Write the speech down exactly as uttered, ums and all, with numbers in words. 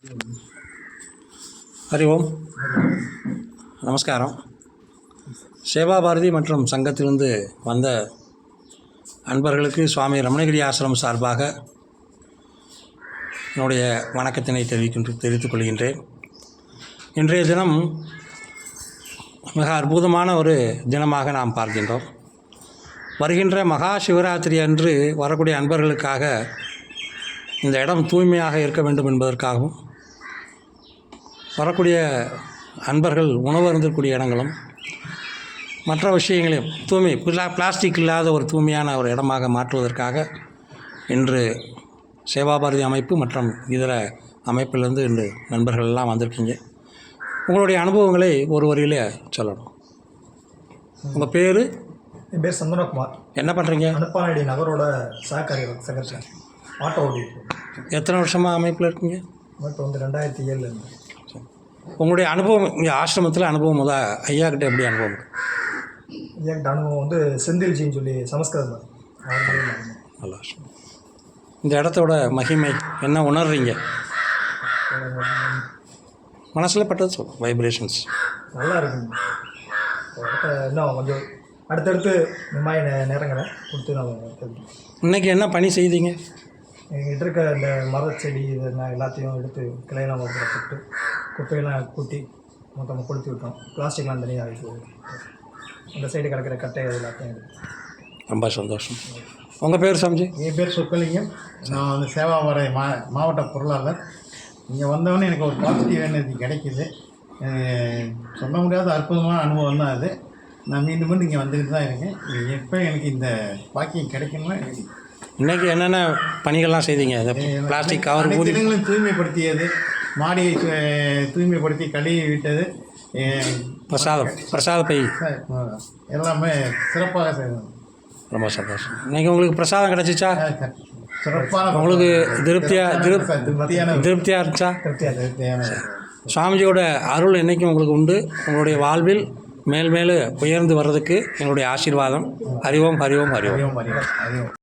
ஹரி ஓம். நமஸ்காரம். சேவா பாரதி மற்றும் சங்கத்திலிருந்து வந்த அன்பர்களுக்கு சுவாமி ரமணகிரி ஆசிரமம் சார்பாக என்னுடைய வணக்கத்தினை தெரிவிக்கின்ற தெரிவித்துக் கொள்கின்றேன். இன்றைய தினம் மிக அற்புதமான ஒரு தினமாக நாம் பார்க்கின்றோம். வருகின்ற மகா சிவராத்திரி அன்று வரக்கூடிய அன்பர்களுக்காக இந்த இடம் தூய்மையாக இருக்க வேண்டும் என்பதற்காகவும், வரக்கூடிய அன்பர்கள் உணவு அருந்தக்கூடிய இடங்களும் மற்ற விஷயங்களையும் தூய்மை பிளா பிளாஸ்டிக் இல்லாத ஒரு தூய்மையான ஒரு இடமாக மாற்றுவதற்காக இன்று சேவாபாரதி அமைப்பு மற்றும் இதர அமைப்பிலிருந்து இன்று நண்பர்கள் எல்லாம் வந்திருக்கீங்க. உங்களுடைய அனுபவங்களை ஒரு வரியிலே சொல்லணும். உங்கள் பேர்? என் பேர் சந்தனகுமார். என்ன பண்ணுறீங்க? அனுப்பானடி நகரோட சககாரி செக்ரட்டரி. ஆட்டோ ஓடி. எத்தனை வருஷமாக அமைப்பில் இருக்கீங்க? அமைப்பு வந்து ரெண்டாயிரத்தி ஏழில் இருந்து. உங்களுடைய அனுபவம் இங்கே ஆசிரமத்தில் அனுபவம் முதல் ஐயா கிட்ட எப்படி அனுபவம்? ஐயாக்கிட்ட அனுபவம் வந்து செந்தில்ஜின்னு சொல்லி சமஸ்கிருதம். நல்லா. இந்த இடத்தோட மகிமை என்ன உணர்றீங்க? மனசில் பட்டது சொல். வைப்ரேஷன்ஸ் நல்லா இருக்குங்க. இன்னும் கொஞ்சம் அடுத்தடுத்து இந்த மாதிரி நேரங்களை கொடுத்து நான் இன்றைக்கி என்ன பணி செய்தீங்க? எங்கிட்ட இருக்க இந்த மரச்செடி இதெல்லாம் எல்லாத்தையும் எடுத்து கிளையெல்லாம் மரத்தில் போட்டு குப்பையெல்லாம் கூட்டி மொத்தமாக கொளுத்தி விட்டோம். பிளாஸ்டிக்லாம் தனியாக இருக்குது. இந்த சைடு கிடக்கிற கட்டை எல்லாத்தையும் எடுத்து. ரொம்ப சந்தோஷம். உங்கள் பேர் சாமிஜி? என் பேர் சொக்கலிங்கம். நான் வந்து சேவாபாரதி மா மாவட்ட பொருளாளர். இங்கே வந்தவொடனே எனக்கு ஒரு பாசிட்டிவ் எனர்ஜி கிடைக்கிது. சொல்ல முடியாத அற்புதமான அனுபவம் தான் அது. நான் மீண்டும் மீண்டும் இங்கே வந்துக்கிட்டு தான் இருக்கேன். எப்போ எனக்கு இந்த பாக்கியம் கிடைக்கணும்னா எனக்கு இன்றைக்கி என்னென்ன பணிகள்லாம் செய்தீங்க? பிளாஸ்டிக் கவர் ஊதி தினங்களும் தூய்மைப்படுத்தியது, மாடியை தூய்மைப்படுத்தி கழுவி விட்டது, பிரசாதம் பிரசாத பை எல்லாமே சிறப்பாக செய்யணும். ரொம்ப சந்தோஷம். இன்றைக்கி உங்களுக்கு பிரசாதம் கிடச்சிச்சா? சிறப்பான உங்களுக்கு திருப்தியாக திருப் திருப்தியான திருப்தியாக இருந்துச்சா? திருப்தியான திருப்தியான சுவாமிஜியோட அருள் என்றைக்கும் உங்களுக்கு உண்டு. உங்களுடைய வாழ்வில் மேல் மேலும் உயர்ந்து வர்றதுக்கு எங்களுடைய ஆசீர்வாதம். ஹரி ஓம், ஹரி ஓம், ஹரி ஓம். அறிவோம் அறிவோம் அறிவோம்